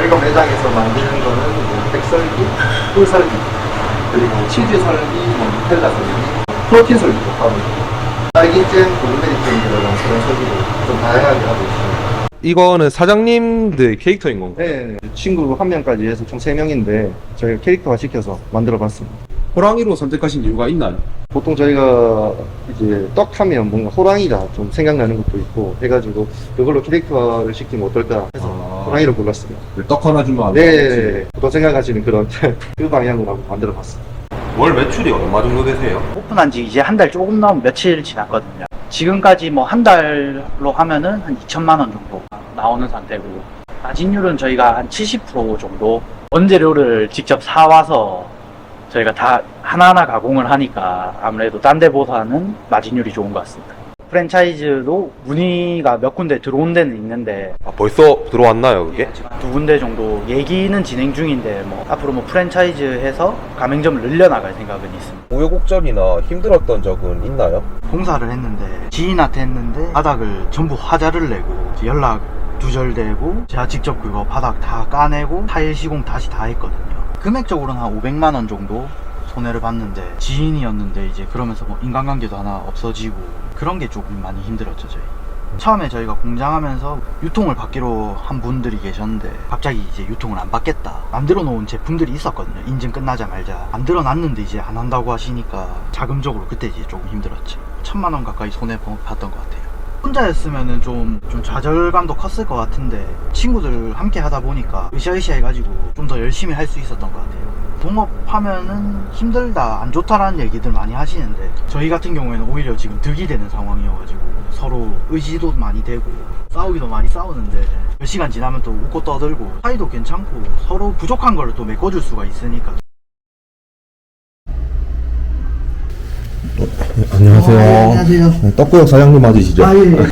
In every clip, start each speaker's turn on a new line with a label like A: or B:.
A: 저희가 매장에서 만드는 거는 뭐 백설기, 꿀설기, 그리고 치즈 설기, 뭐 누텔라 설기, 프로틴 설기도 하고 딸기잼, 블루베리잼 들어간 그런 설기도 좀 다양하게 하고 있습니다.
B: 이거는 사장님들 캐릭터인 건가요?
A: 네, 친구 한 명까지 해서 총 3명인데 저희가 캐릭터화 시켜서 만들어 봤습니다.
C: 호랑이로 선택하신 이유가 있나요?
A: 보통 저희가 이제 떡 하면 뭔가 호랑이가 좀 생각나는 것도 있고 해가지고 그걸로 캐릭터화를 시키면 어떨까 해서 호랑이로 골랐습니다.
C: 떡 하나 주면 안
A: 네,
C: 되지.
A: 보통 생각하시는 그런 그 방향으로 한번 만들어 봤습니다.
B: 월 매출이 얼마 정도 되세요?
D: 오픈한 지 이제 한 달 조금 넘은 며칠 지났거든요. 지금까지 뭐 한 달로 하면은 한 2천만 원 정도 나오는 상태고, 마진율은 저희가 한 70% 정도, 원재료를 직접 사와서 저희가 다 하나하나 가공을 하니까 아무래도 딴 데보다는 마진율이 좋은 것 같습니다. 프랜차이즈도 문의가 몇 군데 들어온 데는 있는데
B: 아, 벌써 들어왔나요, 그게?
D: 두 군데 정도 얘기는 진행 중인데 뭐 앞으로 뭐 프랜차이즈 해서 가맹점을 늘려나갈 생각은 있습니다.
B: 우여곡절이나 힘들었던 적은 있나요?
D: 공사를 했는데 지인한테 했는데 바닥을 전부 화자를 내고 연락 두절되고 제가 직접 그거 바닥 다 까내고 타일 시공 다시 다 했거든요. 금액적으로는 한 500만 원 정도 손해를 봤는데 지인이었는데 이제 그러면서 뭐 인간관계도 하나 없어지고 그런 게 조금 많이 힘들었죠. 저희 처음에 저희가 공장하면서 유통을 받기로 한 분들이 계셨는데 갑자기 이제 유통을 안 받겠다, 만들어 놓은 제품들이 있었거든요. 인증 끝나자마자 만들어 놨는데 이제 안 한다고 하시니까 자금적으로 그때 이제 조금 힘들었지. 1000만 원 가까이 손해 봤던 것 같아요. 혼자였으면은 좀 좌절감도 컸을 것 같은데 친구들 함께 하다 보니까 으쌰으쌰 해가지고 좀 더 열심히 할 수 있었던 것 같아요. 동업하면은 힘들다, 안 좋다라는 얘기들 많이 하시는데 저희 같은 경우에는 오히려 지금 득이 되는 상황이어가지고 서로 의지도 많이 되고 싸우기도 많이 싸우는데 몇 시간 지나면 또 웃고 떠들고 사이도 괜찮고 서로 부족한 걸 또 메꿔줄 수가 있으니까.
E: 안녕하세요.
D: 안녕하세요.
E: 네, 떡구역 사장님 맞으시죠?
D: 예.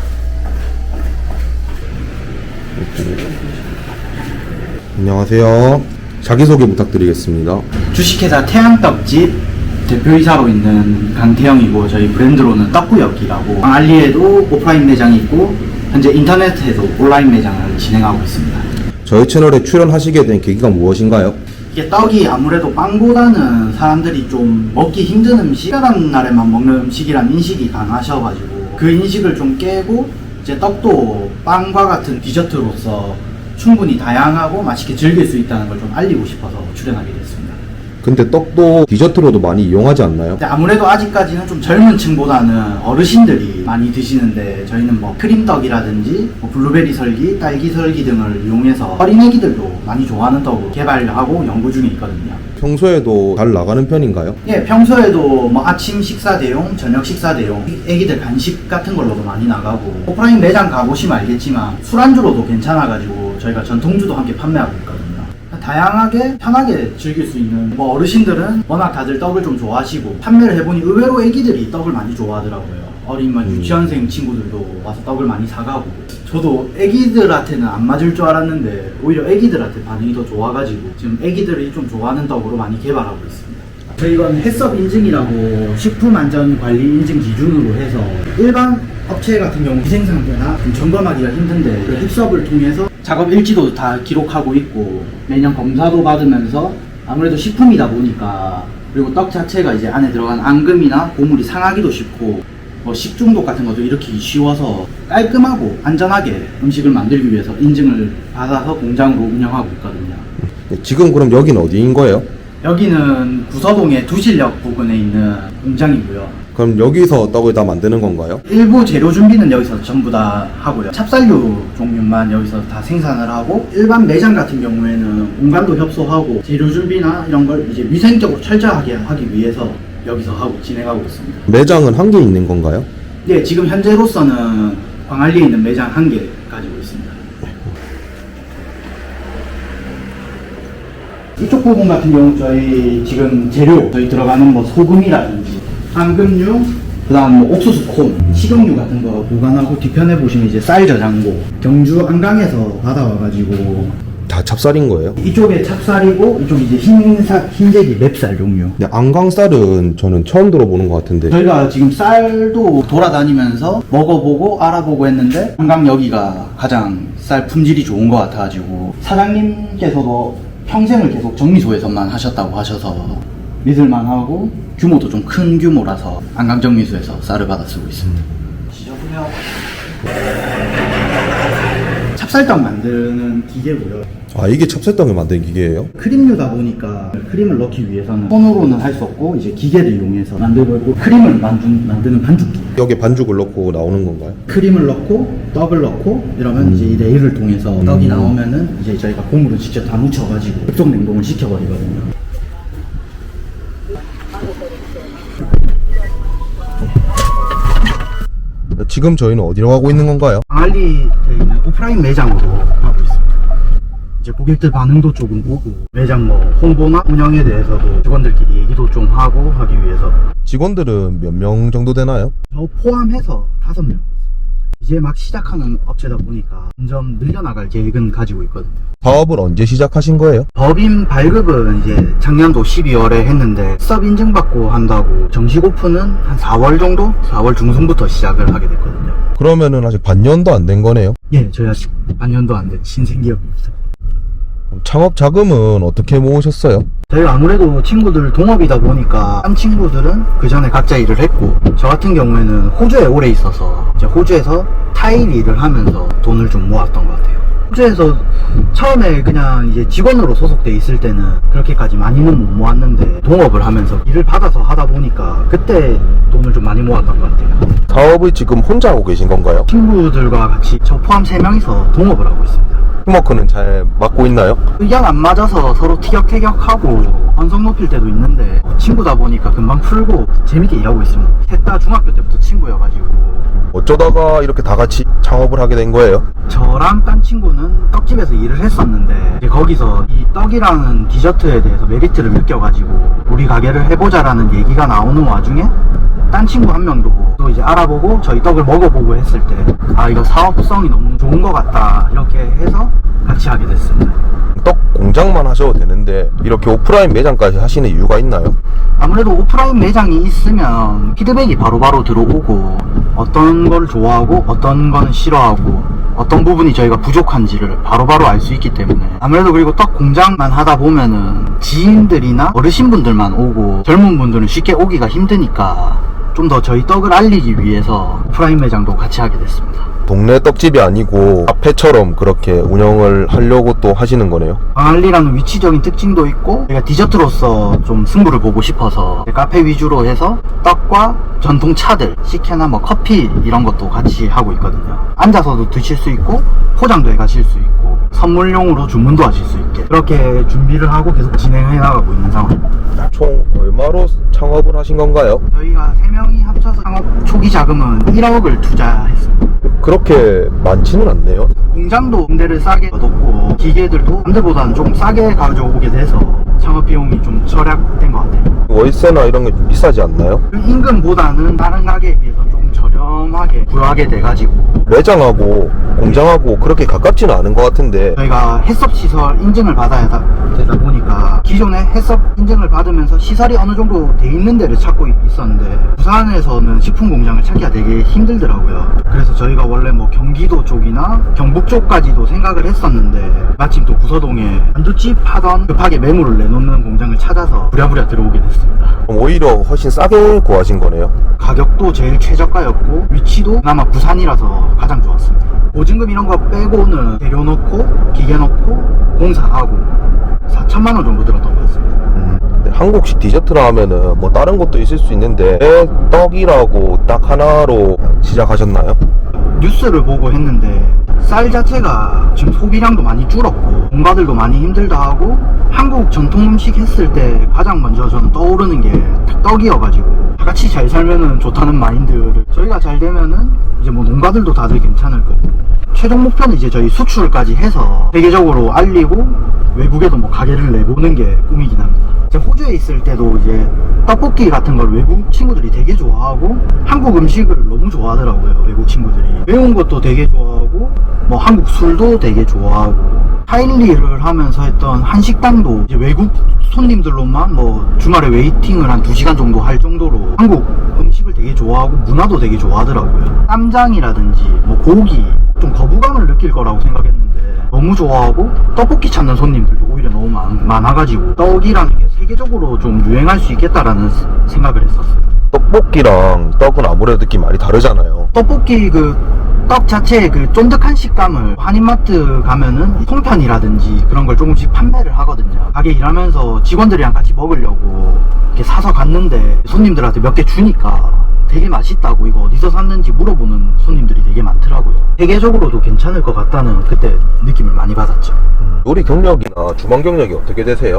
E: 안녕하세요. 자기소개 부탁드리겠습니다.
D: 주식회사 태양떡집 대표이사로 있는 강태영이고, 저희 브랜드로는 떡구역이라고 알리에도 오프라인 매장이 있고 현재 인터넷에도 온라인 매장을 진행하고 있습니다.
E: 저희 채널에 출연하시게 된 계기가 무엇인가요?
D: 이게 떡이 아무래도 빵보다는 사람들이 좀 먹기 힘든 음식, 특별한 날에만 먹는 음식이란 인식이 강하셔가지고 그 인식을 좀 깨고 이제 떡도 빵과 같은 디저트로서 충분히 다양하고 맛있게 즐길 수 있다는 걸 좀 알리고 싶어서 출연하게 됐습니다.
E: 근데 떡도 디저트로도 많이 이용하지 않나요?
D: 근데 아무래도 아직까지는 좀 젊은 층보다는 어르신들이 많이 드시는데 저희는 뭐 크림떡이라든지 뭐 블루베리 설기, 딸기 설기 등을 이용해서 어린애기들도 많이 좋아하는 떡으로 개발하고 연구 중에 있거든요.
E: 평소에도 잘 나가는 편인가요?
D: 예, 평소에도 뭐 아침 식사 대용, 저녁 식사 대용, 애기들 간식 같은 걸로도 많이 나가고, 오프라인 매장 가보시면 알겠지만 술안주로도 괜찮아가지고 저희가 전통주도 함께 판매하고 있거든요. 다양하게 편하게 즐길 수 있는, 뭐 어르신들은 워낙 다들 떡을 좀 좋아하시고 판매를 해보니 의외로 애기들이 떡을 많이 좋아하더라고요. 어린 유치원생 친구들도 와서 떡을 많이 사가고, 저도 애기들한테는 안 맞을 줄 알았는데 오히려 애기들한테 반응이 더 좋아가지고 지금 애기들이 좀 좋아하는 떡으로 많이 개발하고 있습니다. 저희건 햇섭 인증이라고 식품안전관리 인증 기준으로 해서 일반 업체 같은 경우 위생상태나 좀 점검하기가 힘든데 그 햇섭을 통해서 작업 일지도 다 기록하고 있고 매년 검사도 받으면서, 아무래도 식품이다 보니까, 그리고 떡 자체가 이제 안에 들어간 앙금이나 고물이 상하기도 쉽고 뭐 식중독 같은 것도 일으키기 쉬워서 깔끔하고 안전하게 음식을 만들기 위해서 인증을 받아서 공장으로 운영하고 있거든요.
E: 네, 지금 그럼 여기는 어디인 거예요?
D: 여기는 구서동의 두실역 부근에 있는 공장이고요.
E: 그럼 여기서 떡을 다 만드는 건가요?
D: 일부 재료 준비는 여기서 전부 다 하고요. 찹쌀류 종류만 여기서 다 생산을 하고, 일반 매장 같은 경우에는 공간도 협소하고 재료 준비나 이런 걸 이제 위생적으로 철저하게 하기 위해서 여기서 하고 진행하고 있습니다.
E: 매장은 한 개 있는 건가요?
D: 네, 지금 현재로서는 광안리에 있는 매장 1개 가지고 있습니다. 이쪽 부분 같은 경우 저희 지금 재료, 저희 들어가는 뭐 소금이라든지 앙금류, 그 다음 뭐 옥수수 콘, 식용유 같은 거 보관하고, 뒤편에 보시면 이제 쌀 저장고, 경주 안강에서 받아와가지고
E: 다 찹쌀인 거예요?
D: 이쪽에 찹쌀이고 이쪽이 이제 흰재기 맵쌀 종류.
E: 근데 안강쌀은 저는 처음 들어보는 것 같은데.
D: 저희가 지금 쌀도 돌아다니면서 먹어보고 알아보고 했는데 안강 여기가 가장 쌀 품질이 좋은 것 같아가지고 사장님께서도 평생을 계속 정미소에서만 하셨다고 하셔서 믿을만하고 규모도 좀 큰 규모라서 안강정미소에서 쌀을 받아 쓰고 있습니다. 지저분해요. 찹쌀떡 만드는 기계고요.
E: 아, 이게 찹쌀떡을 만드는 기계예요?
D: 크림류다 보니까 크림을 넣기 위해서는 손으로는 할 수 없고 이제 기계를 이용해서 만들고 있고, 크림을 만드는 반죽기.
E: 여기에 반죽을 넣고 나오는 건가요?
D: 크림을 넣고 떡을 넣고 이러면 이제 이 레일을 통해서 떡이 나오면은 이제 저희가 고무를 직접 다 묻혀가지고 급속 냉동을 시켜버리거든요.
E: 지금 저희는 어디로 가고 있는 건가요?
D: 광안리에 있는 오프라인 매장으로 가고 있습니다. 이제 고객들 반응도 조금 보고 매장 뭐 홍보나 운영에 대해서도 직원들끼리 얘기도 좀 하고 하기 위해서.
E: 직원들은 몇 명 정도 되나요?
D: 저 포함해서 5명. 이제 막 시작하는 업체다 보니까 점점 늘려나갈 계획은 가지고 있거든요.
E: 사업을 언제 시작하신 거예요?
D: 법인 발급은 이제 작년도 12월에 했는데 수업 인증받고 한다고 정식 오픈은 한 4월 정도? 4월 중순부터 시작을 하게 됐거든요.
E: 그러면은 아직 반년도 안 된 거네요?
D: 예, 저희 아직 반년도 안 된 신생기업입니다.
E: 창업 자금은 어떻게 모으셨어요?
D: 저희가 아무래도 친구들 동업이다 보니까 한 친구들은 그 전에 각자 일을 했고, 저 같은 경우에는 호주에 오래 있어서 이제 호주에서 타일 일을 하면서 돈을 좀 모았던 것 같아요. 호주에서 처음에 그냥 이제 직원으로 소속돼 있을 때는 그렇게까지 많이는 못 모았는데 동업을 하면서 일을 받아서 하다 보니까 그때 돈을 좀 많이 모았던 것 같아요.
E: 사업을 지금 혼자 하고 계신 건가요?
D: 친구들과 같이 저 포함 3명이서 동업을 하고 있습니다.
E: 팀워크는 잘 맞고 있나요?
D: 의견 안 맞아서 서로 티격태격하고 언성 높일 때도 있는데 친구다 보니까 금방 풀고 재밌게 일하고 있습니다. 셋 다 중학교 때부터 친구여가지고.
E: 어쩌다가 이렇게 다 같이 창업을 하게 된 거예요?
D: 저랑 딴 친구는 떡집에서 일을 했었는데 이제 거기서 이 떡이라는 디저트에 대해서 메리트를 느껴가지고 우리 가게를 해보자라는 얘기가 나오는 와중에 딴 친구 한 명도 또 이제 알아보고 저희 떡을 먹어보고 했을 때 아, 이거 사업성이 너무 좋은 것 같다 이렇게 해서 같이 하게 됐습니다.
E: 떡 공장만 하셔도 되는데 이렇게 오프라인 매장까지 하시는 이유가 있나요?
D: 아무래도 오프라인 매장이 있으면 피드백이 바로바로 들어오고 어떤 걸 좋아하고 어떤 거는 싫어하고 어떤 부분이 저희가 부족한지를 바로바로 알 수 있기 때문에 아무래도 그리고 떡 공장만 하다 보면은 지인들이나 어르신분들만 오고 젊은 분들은 쉽게 오기가 힘드니까 좀 더 저희 떡을 알리기 위해서 오프라인 매장도 같이 하게 됐습니다.
E: 동네 떡집이 아니고 카페처럼 그렇게 운영을 하려고 또 하시는 거네요.
D: 광안리라는 위치적인 특징도 있고 저희가 디저트로서 좀 승부를 보고 싶어서 카페 위주로 해서 떡과 전통 차들, 식혜나 뭐 커피 이런 것도 같이 하고 있거든요. 앉아서도 드실 수 있고 포장도 해 가실 수 있고 선물용으로 주문도 하실 수 있게 그렇게 준비를 하고 계속 진행해 나가고 있는 상황입니다.
E: 총 얼마로 창업을 하신 건가요?
D: 저희가 3명이 합쳐서 창업 초기 자금은 1억을 투자했습니다.
E: 그렇게 많지는 않네요.
D: 공장도 임대를 싸게 얻었고 기계들도 남들보다는 조금 싸게 가져오게 돼서 창업 비용이 좀 절약된 것 같아요.
E: 월세나 이런 게 좀 비싸지 않나요?
D: 임금보다는 다른 가게에 비해서 조금 저렴하게 구하게 돼가지고
E: 매장하고 공장하고 그렇게 가깝지는 않은 것 같은데
D: 저희가 해썹 시설 인증을 받아야 되다 보니까 기존에 해썹 인증을 받으면서 시설이 어느 정도 돼 있는 데를 찾고 있었는데 부산에서는 식품 공장을 찾기가 되게 힘들더라고요. 그래서 저희가 원래 뭐 경기도 쪽이나 경북 쪽까지도 생각을 했었는데 마침 또 구서동에 만두집 하던 급하게 매물을 내놓는 공장을 찾아서 부랴부랴 들어오게 됐습니다.
E: 오히려 훨씬 싸게 구하신 거네요.
D: 가격도 제일 최저가였고 위치도 그나마 부산이라서 가장 좋았습니다. 보증금 이런 거 빼고는 재료 넣고 기계 넣고 공사하고 4천만 원 정도 들었던 것 같습니다.
E: 한국식 디저트라 하면은 뭐 다른 것도 있을 수 있는데 왜 떡이라고 딱 하나로 시작하셨나요?
D: 뉴스를 보고 했는데 쌀 자체가 지금 소비량도 많이 줄었고 농가들도 많이 힘들다 하고 한국 전통 음식 했을 때 가장 먼저 저는 떠오르는 게 떡이어가지고 다 같이 잘 살면은 좋다는 마인드를 저희가 잘 되면은 이제 뭐 농가들도 다들 괜찮을 거고 최종 목표는 이제 저희 수출까지 해서 세계적으로 알리고 외국에도 뭐 가게를 내보는 게 꿈이긴 합니다. 제가 호주에 있을 때도 이제 떡볶이 같은 걸 외국 친구들이 되게 좋아하고 한국 음식을 너무 좋아하더라고요. 외국 친구들이 매운 것도 되게 좋아하고 뭐 한국 술도 되게 좋아하고 타일리를 하면서 했던 한식당도 이제 외국 손님들로만 뭐 주말에 웨이팅을 한 2시간 정도 할 정도로 한국 음식을 떡을 되게 좋아하고 문화도 되게 좋아하더라고요. 쌈장이라든지 뭐 고기 좀 거부감을 느낄 거라고 생각했는데 너무 좋아하고 떡볶이 찾는 손님들도 오히려 너무 많아가지고 떡이라는 게 세계적으로 좀 유행할 수 있겠다라는 생각을 했었어요.
E: 떡볶이랑 떡은 아무래도 느낌이 많이 다르잖아요.
D: 떡볶이 떡 자체의 쫀득한 식감을 한인마트 가면은 송편이라든지 그런 걸 조금씩 판매를 하거든요. 가게 일하면서 직원들이랑 같이 먹으려고 이렇게 사서 갔는데 손님들한테 몇 개 주니까 되게 맛있다고 이거 어디서 샀는지 물어보는 손님들이 되게 많더라고요. 세계적으로도 괜찮을 것 같다는 그때 느낌을 많이 받았죠.
E: 요리 경력이나 주방 경력이 어떻게 되세요?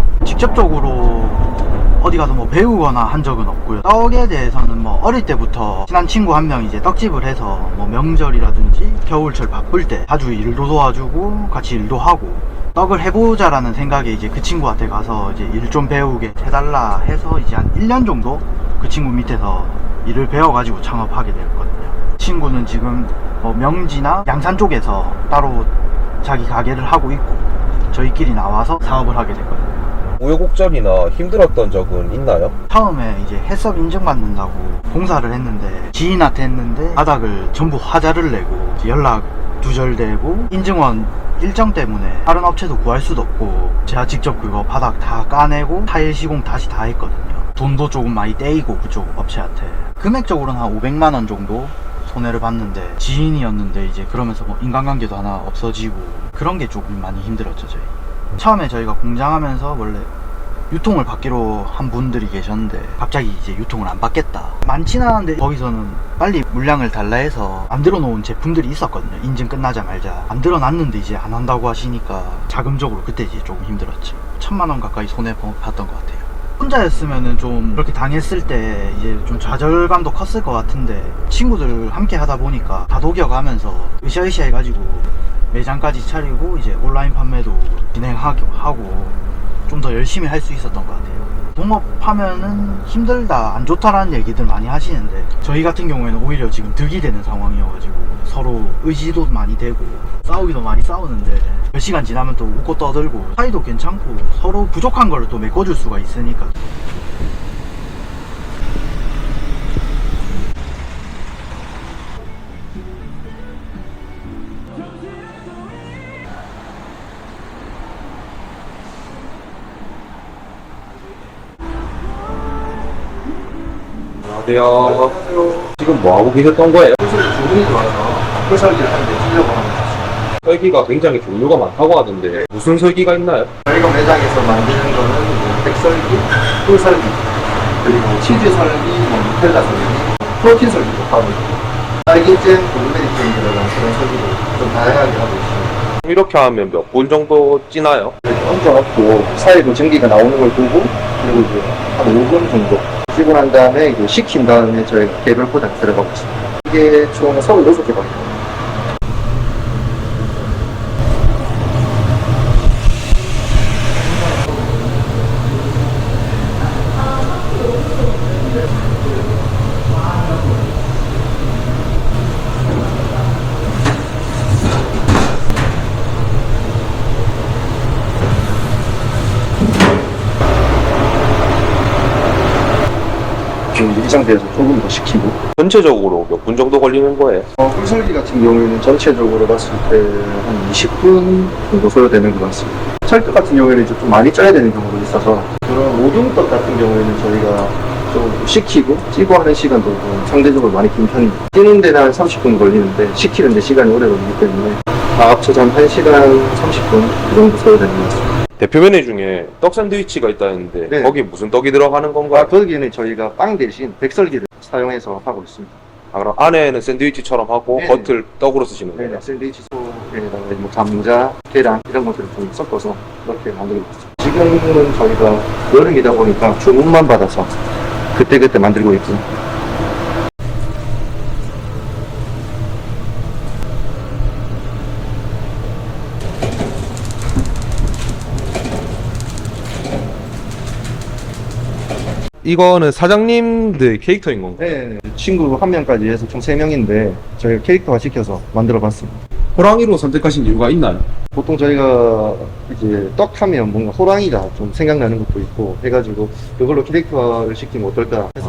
D: 직접적으로 어디 가서 뭐 배우거나 한 적은 없고요. 떡에 대해서는 뭐 어릴 때부터 친한 친구 한 명이 이제 떡집을 해서 뭐 명절이라든지 겨울철 바쁠 때 자주 일도 도와주고 같이 일도 하고 떡을 해보자라는 생각에 이제 그 친구한테 가서 이제 일 좀 배우게 해달라 해서 이제 한 1년 정도 그 친구 밑에서 일을 배워가지고 창업하게 되었거든요. 친구는 지금 뭐 명지나 양산 쪽에서 따로 자기 가게를 하고 있고 저희끼리 나와서 사업을 하게 됐거든요.
B: 우여곡절이나 힘들었던 적은 있나요?
D: 처음에 이제 해썹 인증받는다고 봉사를 했는데 지인한테 했는데 바닥을 전부 화자를 내고 연락 두절되고 인증원 일정 때문에 다른 업체도 구할 수도 없고 제가 직접 그거 바닥 다 까내고 타일 시공 다시 다 했거든요. 돈도 조금 많이 떼이고 그쪽 업체한테 금액적으로는 한 500만원 정도 손해를 봤는데 지인이었는데 이제 그러면서 뭐 인간관계도 하나 없어지고 그런 게 조금 많이 힘들었죠. 저희 처음에 저희가 공장하면서 원래 유통을 받기로 한 분들이 계셨는데 갑자기 이제 유통을 안 받겠다 많지는 않은데 거기서는 빨리 물량을 달라 해서 만들어 놓은 제품들이 있었거든요. 인증 끝나자 말자 만들어 놨는데 이제 안 한다고 하시니까 자금적으로 그때 이제 조금 힘들었죠. 1000만원 가까이 손해 봤던 것 같아요. 혼자였으면은 좀 그렇게 당했을 때 이제 좀 좌절감도 컸을 것 같은데 친구들 함께 하다 보니까 다독여가면서 으쌰으쌰 해가지고 매장까지 차리고 이제 온라인 판매도 진행하고 좀 더 열심히 할 수 있었던 것 같아요. 동업하면은 힘들다 안 좋다라는 얘기들 많이 하시는데 저희 같은 경우에는 오히려 지금 득이 되는 상황이어가지고 서로 의지도 많이 되고 싸우기도 많이 싸우는데 몇 시간 지나면 또 웃고 떠들고 사이도 괜찮고 서로 부족한 걸 또 메꿔줄 수가 있으니까.
B: 안녕하세요. 지금 뭐 하고 계셨던 거예요?
A: 주문이 들어와서 설기를 하는데 쓰려고 합니다.
B: 설기가 굉장히 종류가 많다고 하던데 무슨 설기가 있나요?
A: 저희가 매장에서 만드는 거는 뭐 백설기, 꿀설기, 그리고 치즈설기, 뭐 누텔라 설기, 프로틴 설기도 하고 있고 딸기잼, 블루베리잼 들어간 그런 설기도 좀 다양하게 하고 있습니다.
B: 이렇게 하면 몇 분 정도 찌나요?
A: 이렇게 얹어갖고 사이로 전기가 나오는 걸 보고 그리고 이제 한 5분 정도 찌고 난 다음에 이제 식힌 다음에 저희가 개별 포장 들어가고 있습니다. 이게 총 36개 방입니다. 지금 이 상태에서 조금 더 식히고
B: 전체적으로 몇 분 정도 걸리는 거예요?
A: 꿀설기 같은 경우에는 전체적으로 봤을 때 한 20분 정도 소요되는 것 같습니다. 찰떡 같은 경우에는 이제 좀 많이 쪄야 되는 경우도 있어서 그런 오둥떡 같은 경우에는 저희가 좀 식히고 찌고 하는 시간도 좀 상대적으로 많이 긴 편입니다. 찌는 데는 한 30분 걸리는데 식히는 데 시간이 오래 걸리기 때문에 다 합쳐서 한 1시간 30분 그 정도 소요되는 것 같습니다.
B: 대표 메뉴 중에 떡 샌드위치가 있다는데
A: 네.
B: 거기에 무슨 떡이 들어가는 건가요?
A: 거기에는 저희가 빵 대신 백설기를 사용해서 하고 있습니다.
B: 아, 그럼 안에는 샌드위치처럼 하고
A: 네.
B: 겉을 떡으로 쓰시는 거예요?
A: 네네, 샌드위치 소에다가 뭐 감자, 계란 이런 것들을 좀 섞어서 이렇게 만들고 있습니다. 지금은 저희가 여름이다 보니까 주문만 받아서 그때그때 만들고 있고
B: 이거는 사장님들 캐릭터인 건가요?
A: 네, 친구 한 명까지 해서 총 3명인데 저희가 캐릭터화 시켜서 만들어 봤습니다.
C: 호랑이로 선택하신 이유가 있나요?
A: 보통 저희가 이제 떡 하면 뭔가 호랑이가 좀 생각나는 것도 있고 해가지고 그걸로 캐릭터화를 시키면 어떨까 해서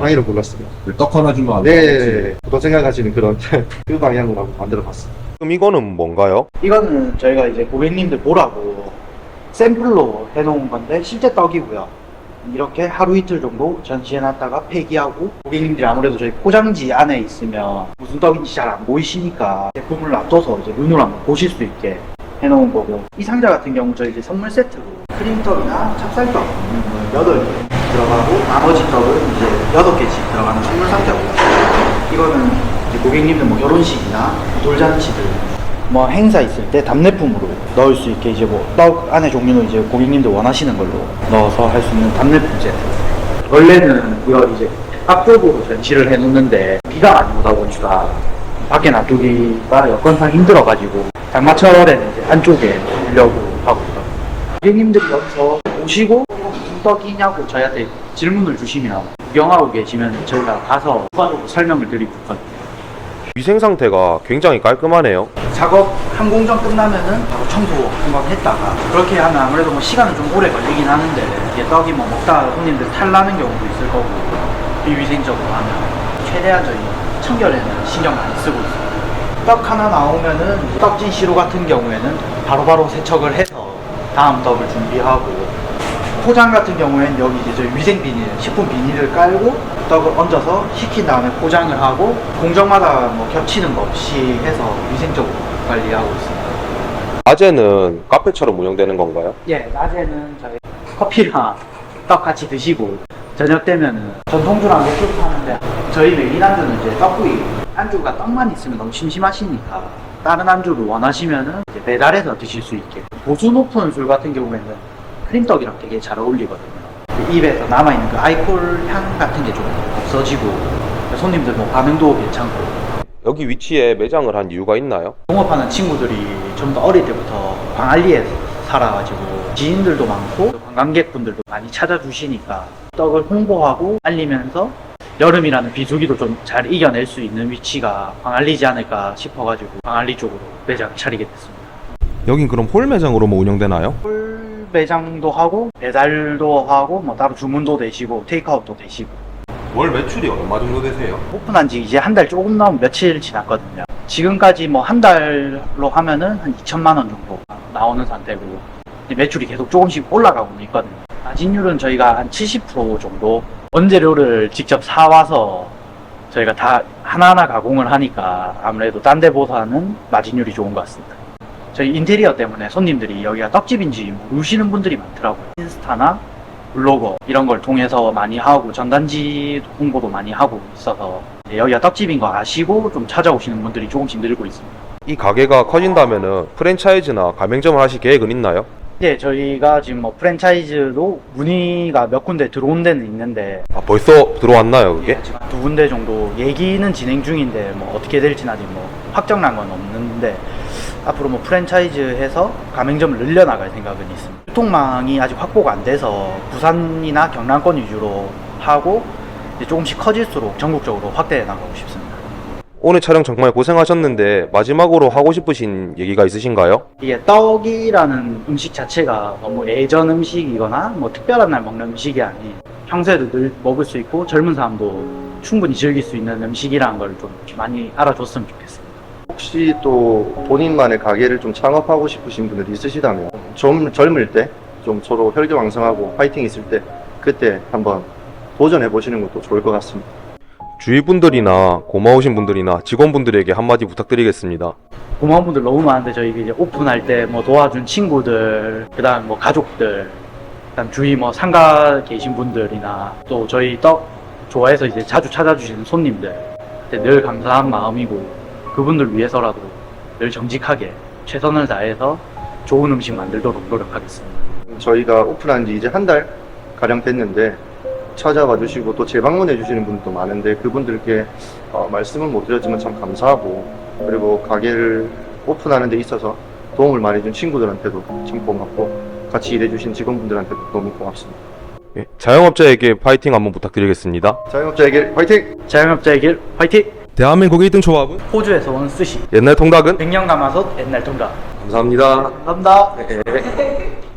A: 호랑이를 골랐습니다.
C: 떡 하나 주면 안
A: 네, 보통 생각하시는 그런 그 방향으로 한번 만들어봤습니다.
E: 그럼 이거는 뭔가요?
D: 이거는 저희가 이제 고객님들 보라고 샘플로 해놓은 건데 실제 떡이고요. 이렇게 하루 이틀 정도 전시해놨다가 폐기하고, 고객님들이 아무래도 저희 포장지 안에 있으면 무슨 떡인지 잘 안 보이시니까 제품을 놔둬서 이제 눈으로 한번 보실 수 있게 해놓은 거고, 이 상자 같은 경우 저희 이제 선물 세트로 크림떡이나 찹쌀떡 8개 들어가고, 나머지 떡은 이제 8개씩 들어가는 선물 상자고요. 이거는 이제 고객님들 뭐 결혼식이나 돌잔치들 뭐 행사 있을 때 답례품으로 넣을 수 있게, 이제 뭐 떡 안에 종류는 이제 고객님들 원하시는 걸로 넣어서 할 수 있는 답례품 세트. 원래는 이거 이제 앞쪽으로 전시를 해놓는데 비가 많이 오다 보니까 밖에 놔두기가 여건상 힘들어가지고 장마철에는 이제 안쪽에 두려고 하고 있어요. 고객님들이 여기서 오시고 무슨 떡이냐고 저희한테 질문을 주시면 구경하고 계시면 저희가 가서 추가적으로 설명을 드리고 있거든요.
E: 위생 상태가 굉장히 깔끔하네요.
D: 작업 한 공정 끝나면은 바로 청소 한번 했다가, 그렇게 하면 아무래도 뭐 시간은 좀 오래 걸리긴 하는데, 이게 떡이 뭐 먹다가 손님들 탈나는 경우도 있을 거고, 비위생적으로 하면 최대한 저희 청결에는 신경 많이 쓰고 있어요. 떡 하나 나오면은 떡진 시루 같은 경우에는 바로바로 세척을 해서 다음 떡을 준비하고, 포장 같은 경우에는 여기 이제 저희 위생 비닐, 식품 비닐을 깔고 떡을 얹어서 식힌 다음에 포장을 하고, 공정마다 뭐 겹치는 거 없이 해서 위생적으로 관리하고 있습니다.
E: 낮에는 카페처럼 운영되는 건가요?
D: 예, 낮에는 저희 커피랑 떡 같이 드시고, 저녁 되면은 전통주랑 맥주 파는데, 저희 메인 안주는 이제 떡구이. 안주가 떡만 있으면 너무 심심하시니까 다른 안주를 원하시면은 이제 배달해서 드실 수 있게. 도수 높은 술 같은 경우에는 크림떡이랑 되게 잘 어울리거든요. 입에서 남아있는 그 알코올 향 같은 게 좀 없어지고, 손님들 뭐 반응도 괜찮고.
E: 여기 위치에 매장을 한 이유가 있나요?
D: 동업하는 친구들이 좀 더 어릴 때부터 광안리에 살아가지고 지인들도 많고 관광객분들도 많이 찾아주시니까 떡을 홍보하고 알리면서 여름이라는 비수기도 좀 잘 이겨낼 수 있는 위치가 광안리지 않을까 싶어가지고 광안리 쪽으로 매장을 차리게 됐습니다.
E: 여긴 그럼 홀 매장으로만 운영되나요?
D: 홀 매장도 하고 배달도 하고 뭐 따로 주문도 되시고 테이크아웃도 되시고.
E: 월 매출이 얼마 정도 되세요?
D: 오픈한 지 이제 한 달 조금 넘은 며칠 지났거든요. 지금까지 뭐 한 달로 하면은 한 2천만 원 정도 나오는 상태고, 매출이 계속 조금씩 올라가고 있거든요. 마진율은 저희가 한 70% 정도, 원재료를 직접 사와서 저희가 다 하나하나 가공을 하니까 아무래도 딴 데보다는 마진율이 좋은 것 같습니다. 저희 인테리어 때문에 손님들이 여기가 떡집인지 모르시는 분들이 많더라고요. 인스타나 블로거 이런 걸 통해서 많이 하고, 전단지 홍보도 많이 하고 있어서 여기가 떡집인 거 아시고 좀 찾아오시는 분들이 조금씩 늘고 있습니다.
E: 이 가게가 커진다면은 프랜차이즈나 가맹점을 하실 계획은 있나요?
D: 네, 저희가 지금 뭐 프랜차이즈도 문의가 몇 군데 들어온 데는 있는데,
E: 아, 벌써 들어왔나요, 그게?
D: 지금 두 군데 정도 얘기는 진행 중인데 뭐 어떻게 될지는 아직 뭐 확정난 건 없는데, 앞으로 뭐 프랜차이즈 해서 가맹점을 늘려나갈 생각은 있습니다. 유통망이 아직 확보가 안 돼서 부산이나 경남권 위주로 하고 이제 조금씩 커질수록 전국적으로 확대해 나가고 싶습니다.
E: 오늘 촬영 정말 고생하셨는데 마지막으로 하고 싶으신 얘기가 있으신가요?
D: 이게 떡이라는 음식 자체가 너무 예전 음식이거나 뭐 특별한 날 먹는 음식이 아닌, 평소에도 늘 먹을 수 있고 젊은 사람도 충분히 즐길 수 있는 음식이라는 걸 좀 많이 알아줬으면 좋겠습니다.
A: 혹시 또 본인만의 가게를 좀 창업하고 싶으신 분들이 있으시다면 좀 젊을 때 좀 서로 혈기왕성하고 파이팅 있을 때 그때 한번 도전해 보시는 것도 좋을 것 같습니다.
E: 주위 분들이나 고마우신 분들이나 직원분들에게 한마디 부탁드리겠습니다.
D: 고마운 분들 너무 많은데, 저희 이제 오픈할 때 뭐 도와준 친구들, 그다음 뭐 가족들, 그다음 주위 뭐 상가 계신 분들이나 또 저희 떡 좋아해서 이제 자주 찾아주시는 손님들, 늘 감사한 마음이고, 그분들 위해서라도 늘 정직하게 최선을 다해서 좋은 음식 만들도록 노력하겠습니다.
A: 저희가 오픈한 지 이제 한 달 가량 됐는데 찾아와 주시고 또 재방문해 주시는 분들도 많은데, 그분들께 말씀은 못 드렸지만 참 감사하고, 그리고 가게를 오픈하는 데 있어서 도움을 많이 준 친구들한테도 참 고맙고, 같이 일해 주신 직원분들한테도 너무 고맙습니다.
E: 예, 자영업자에게 파이팅 한번 부탁드리겠습니다.
A: 자영업자에게 화이팅!
D: 자영업자의 길 화이팅!
E: 대한민국의 1등 초밥은?
D: 호주에서 온 스시,
E: 옛날 통닭은?
D: 백년 가마솥 옛날 통닭.
E: 감사합니다.
D: 감사합니다.